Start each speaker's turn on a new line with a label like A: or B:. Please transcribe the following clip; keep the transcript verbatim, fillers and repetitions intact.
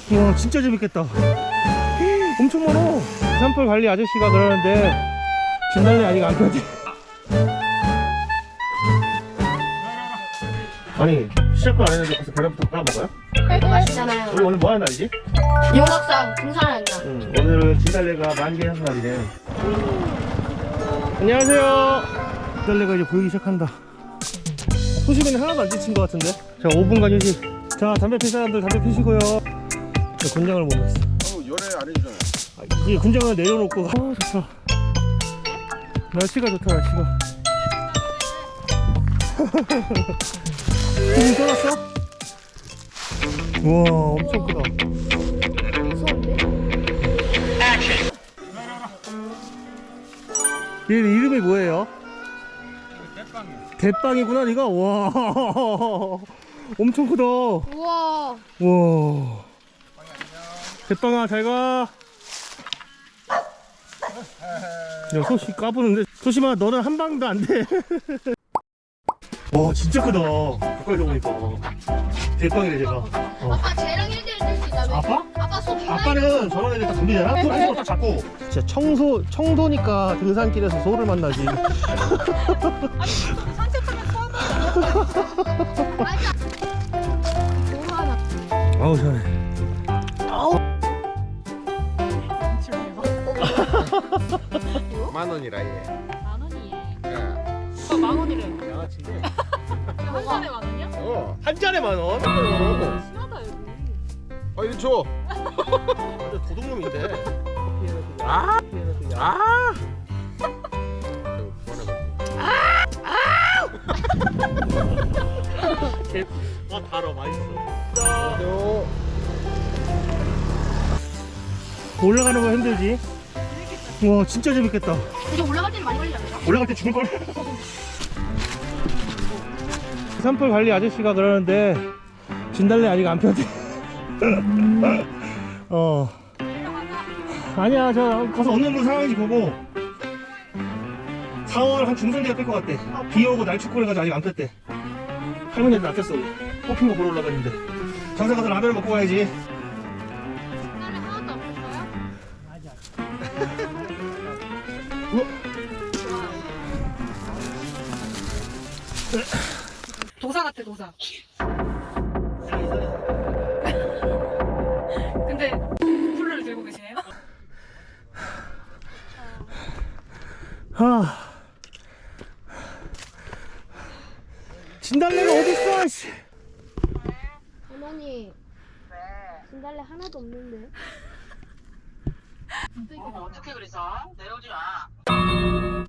A: 와 진짜 재밌겠다. 엄청 많어. 산불 관리 아저씨가 그러는데 진달래 아직 안 폈지. 아니 시작도 안 했는데 벌써 계란부터 까먹어요?
B: 맛있잖아요.
A: 우리 오늘 뭐 하는 날이지?
B: 용각산 등산하는 날.
A: 응, 오늘은 진달래가 만개하는 날이네. 안녕하세요. 진달래가 이제 보이기 시작한다. 소식에는 하나도 안 지친 것 같은데. 자 오 분간 휴식. 자 담배 필 사람들 담배 피시고요. 저 군장을 못 냈어.
C: 어, 열애 안 해주잖아.
A: 아, 이게 군장을 내려놓고. 아 좋다. 날씨가 좋다 날씨가. 소금 떠났어? 우와 엄청 크다.
B: 무서운데?
A: 얘 이름이 뭐예요? 대빵이구나 니가? 와 엄청 크다.
B: 우와.
A: 와 대빵아 잘가. 야 소시 까부는데. 소심아 너는 한 방도 안돼. 와 진짜 크다. 가까이서 보니까 대빵이래 제가. 어.
B: 아빠 쟤랑 일 대 일 뜰 수 있다며?
A: 아빠?
B: 아빠 손
A: 아빠는 저런 애들 다 돌리잖아? 손 한손 딱 잡고. 진짜 청소, 청도니까 등산길에서 소를 만나지.
B: 산책하면 처음 맞아. 너무 하나.
A: 아우 시원해.
C: 만 원이라 얘.
D: 만 원이에.
C: 예.
D: 어, 만 원이래.
A: 야 진짜.
D: 한 잔에 만 원이야?
C: 어.
A: 한 잔에 만 원?
D: 심하다 여기.
C: 어, 이거 줘.
A: 완전 도둑놈인데.
C: 아. 아.
A: 아 달어 맛있어.
C: 요.
A: 올라가는 거 힘들지? 와 진짜 재밌겠다.
B: 이제 올라갈 때는 많이 걸리잖아요.
A: 올라갈 때 죽을걸? 산불 관리 아저씨가 그러는데 진달래 아직 안 폈대. 어 아니야 저 가서 어느 정도 상황인지 보고 사월 한 중순 되가 뺄 것 같대. 비 오고 날 춥고 해가지고 아직 안 폈대. 할머니한테 안 폈어. 뽑힌 거 보러 올라갔는데 장사 가서 라면을 먹고 가야지.
B: 나는 하나도 안 폈어요?
D: 도사 같아 도사. 근데 쿨러를 들고 계시네요.
A: 아 진달래가 어딨어 씨.
B: 할머니. 진달래 하나도 없는데.
E: 어, 어떻게 그래서 내려오지 마.